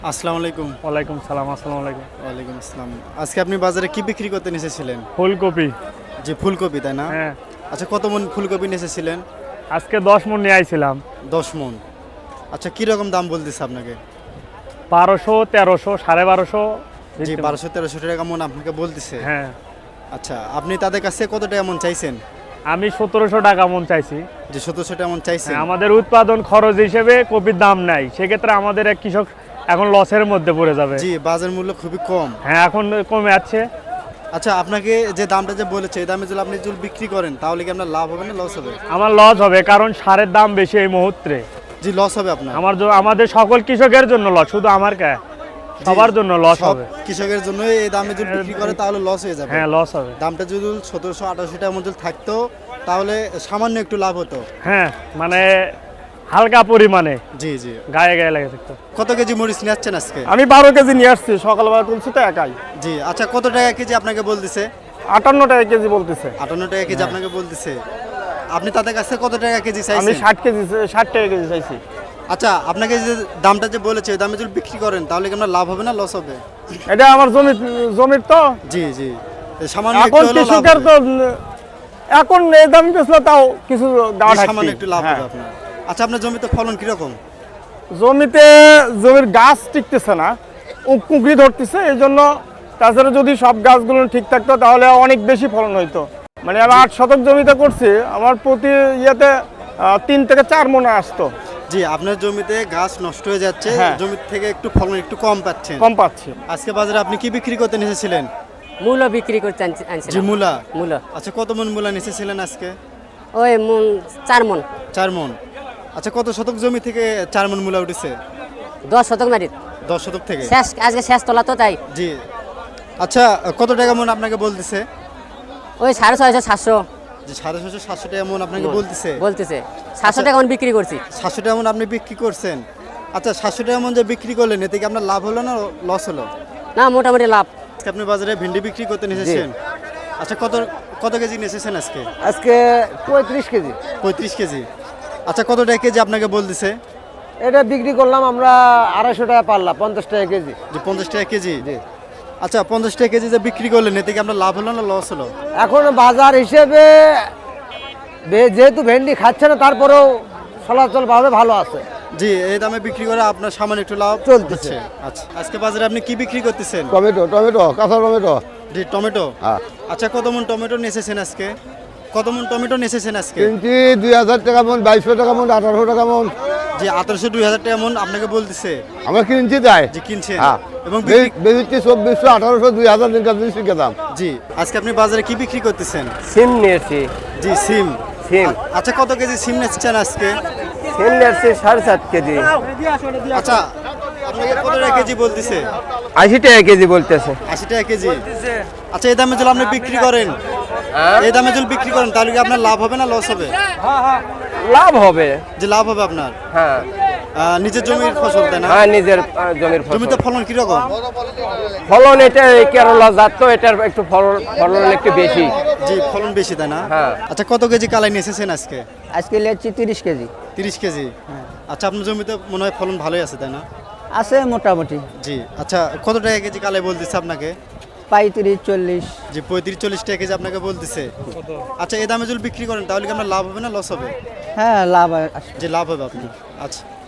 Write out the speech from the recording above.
আসসালামু আলাইকুম। ওয়ালাইকুম সালাম। আসসালামু আলাইকুম। ওয়ালাইকুম আসসালাম। আজকে আপনি বাজারে কি বিক্রি করতে এসেছিলেন? ফুলকপি। জি, ফুলকপি তাই না? হ্যাঁ, আচ্ছা, কত মন ফুলকপি এসেছিলেন? আজকে 10 মণ নিয়ে আইছিলাম। 10 মন। আচ্ছা, কি রকম দাম বলতেছে আপনাকে? 1200, 1300, 1250। জি, 1200-1300 টাকা মন আপনাকে বলতেছে। হ্যাঁ, আচ্ছা, আপনি তাদের কাছে কত টাকা মন চাইছেন? আমি 1700 টাকা মণ চাইছি। যে 1700 টাকা মন চাইছেন? হ্যাঁ, আমাদের উৎপাদন খরচ হিসেবে কপির দাম নাই, সেক্ষেত্রে আমাদের এক কৃষক এখন লসের মধ্যে পড়ে যাবে। জি, বাজার মূল্য খুবই কম। হ্যাঁ, এখন কমে যাচ্ছে। আচ্ছা, আপনাকে যে দামটা যে বলেছে এই দামে যদি আপনি যদি বিক্রি করেন তাহলে কি আপনার লাভ হবে না লস হবে? আমার লস হবে, কারণ সারের দাম বেশি এই মুহূর্তে। জি, লস হবে আপনার। আমাদের সকল কৃষকের জন্য লস, শুধু আমার কে, সবার জন্য লস সব হবে। কৃষকের জন্য এই দামে যদি বিক্রি করে তাহলে লস হয়ে যাবে। হ্যাঁ, লস হবে। দামটা যদি 1700-1800 টাকার মধ্যে থাকতো তাহলে সামান্য একটু লাভ হতো। হ্যাঁ, মানে হালকা পরিমাণে জি জি। গায়ে গায়ে লেগে থাকতো। কত কেজি মরিচ নিয়ে আসছেন আজকে? আমি 12 কেজি নিয়ে আসছি, সকালবেলা তুলছি তো একাই। জি, আচ্ছা, কত টাকা কেজি আপনাকে বলতেছে? 58 টাকা কেজি বলতেছে। 58 টাকা কেজি আপনাকে বলতেছে। আপনি তাদের কাছে কত টাকা কেজি আমি চাইছেন? 60 টাকা কেজি চাইছি। আচ্ছা, আপনাকে যে দামটা যে বলেছে ওই দামে যদি বিক্রি করেন তাহলে কি আপনার লাভ হবে না লস হবে? এটা আমার জমির তো জি জি। সামান্য একটু এখন হলেও লাভ কৃষকের হবে। তো এখন এই দাম বেচলে তাও কিছু দাম জি, সামান্য একটু লাভ হবে আপনার। আচ্ছা, আপনার জমিতে ফলন কিরকম? জমির গাছ টিকতেছে না, কুঁকড়ি ধরতেছে, এই জন্য। তাছাড়া যদি সব গাছগুলো ঠিক থাকতো তাহলে অনেক বেশি ফলন হইতো। মানে আমি 8 শতক জমিতে করছি, আমার প্রতি ইয়েতে 3 থেকে 4 মণ আসতো। জি, আপনার জমিতে গাছ নষ্ট হয়ে যাচ্ছে, হ্যাঁ। জমি থেকে একটু ফলন একটু কম পাচ্ছেন। কম পাচ্ছি। আজকে বাজারে আপনি কি বিক্রি করতে এসেছিলেন? মূলো বিক্রি করতে জি, আনছিলাম। মূলা। মূলো আচ্ছা, কত মন মূলা এসেছিলেন আজকে? ওই 4 মণ। 4 মন। আচ্ছা, কত শতক জমি থেকে 4 মন মূলা উঠেছে? 10 শতক মাটি 10 শতক থেকে? শেষ, আজকে শেষ তোলা তো তাই। জি। আচ্ছা, কত টাকা মন আপনাকে বলতেছে? ওই 650, 700 যে 650-700 টাকা মন আপনাকে বলতেছে? বলতেছে। 700 টাকা মণ বিক্রি করছি। 700 টাকা মন আপনি বিক্রি করছেন? আচ্ছা, 700 টাকা মন যে বিক্রি করলেন এতে কি আপনার লাভ হলো না লস হলো? না, মোটামুটি লাভ। আজকে আপনি বাজারে ভেন্ডি বিক্রি করতে এসেছেন? আচ্ছা, কত কত কেজি এসেছেন আজকে? আজকে 35 কেজি। 35 কেজি। আচ্ছা, কত টাকা কেজি আপনাকে বলতেছে? এটা বিক্রি করলাম আমরা 250 টাকা পাল্লা, 50 টাকা কেজি। যে 50 টাকা কেজি? জি। আচ্ছা, 50 টাকা কেজি যে বিক্রি করলেন এতে কি আপনার লাভ হলো না লস হলো? এখন বাজার হিসেবে যেহেতু ভেন্ডি খাচ্ছে না তারপরেও চলাচল ভাবে ভালো আছে। জি, এই দামে বিক্রি করে আপনার সামান্য একটু লাভ চলতেছে। আচ্ছা, আজকে বাজারে আপনি কি বিক্রি করতেছেন? টমেটো, কাঁচা টমেটো। জি, টমেটো। হ্যাঁ। আচ্ছা, কত মন টমেটো এসেছেন আজকে? কত মন টমেটো এসেছেন আজকে? কিনছি 2000 টাকা মন, 2200 টাকা মন, 1800 টাকা মন। জি, 1800-2000 টাকা মন আপনাকে বলতেছে? আমরা কিনছি তাই। জি, কিনছেন। হ্যাঁ। এবং বেশি 2400, 1800, 2000 দিন কাজ শিখে দাম। জি, আজকে আপনি বাজারে কি বিক্রি করতেছেন? সিম নিয়েছি। জি, সিম। সিম আচ্ছা, কত কেজি সিম নিচ্ছেন আজকে? সিম নিয়েছি 7.5 কেজি। আচ্ছা, আপনাকে কত টাকা কেজি বলতেছে? 80 টাকা কেজি বলতেছে। 80 টাকা কেজি। আচ্ছা, এই দামে যদি আপনি বিক্রি করেন, এই দামে যদি বিক্রি করেন তাহলে কি আপনার লাভ হবে না লস হবে? লাভ হবে। যে লাভ হবে আপনার? হ্যাঁ নিজের জমির ফসল তাই না? হ্যাঁ, নিজের জমির ফসল। জমিতে ফলন কিরকম? ফলন এটা কেরলা জাত তো, এটার একটু ফলন একটু বেশি। জি, ফলন বেশি তাই না? হ্যাঁ। আচ্ছা, কত কেজি কালাই নিয়ে এসেছেন আজকে? আজকে নিয়েছি 30 কেজি। 30 কেজি। আচ্ছা, আপনার জমিতে মনে হয় ফলন ভালোই আছে তাই না? আছে মোটামুটি জি। আচ্ছা, কত টাকা কেজি কালাই বলতেছে আপনাকে? 35, 40। জি, 35-40 টাকা কেজি আপনাকে বলতেছে। আচ্ছা, এই দামে যদি বিক্রি করেন তাহলে কি আপনার লাভ হবে না লস হবে? হ্যাঁ, লাভ। যে লাভ হবে আপনার। আচ্ছা।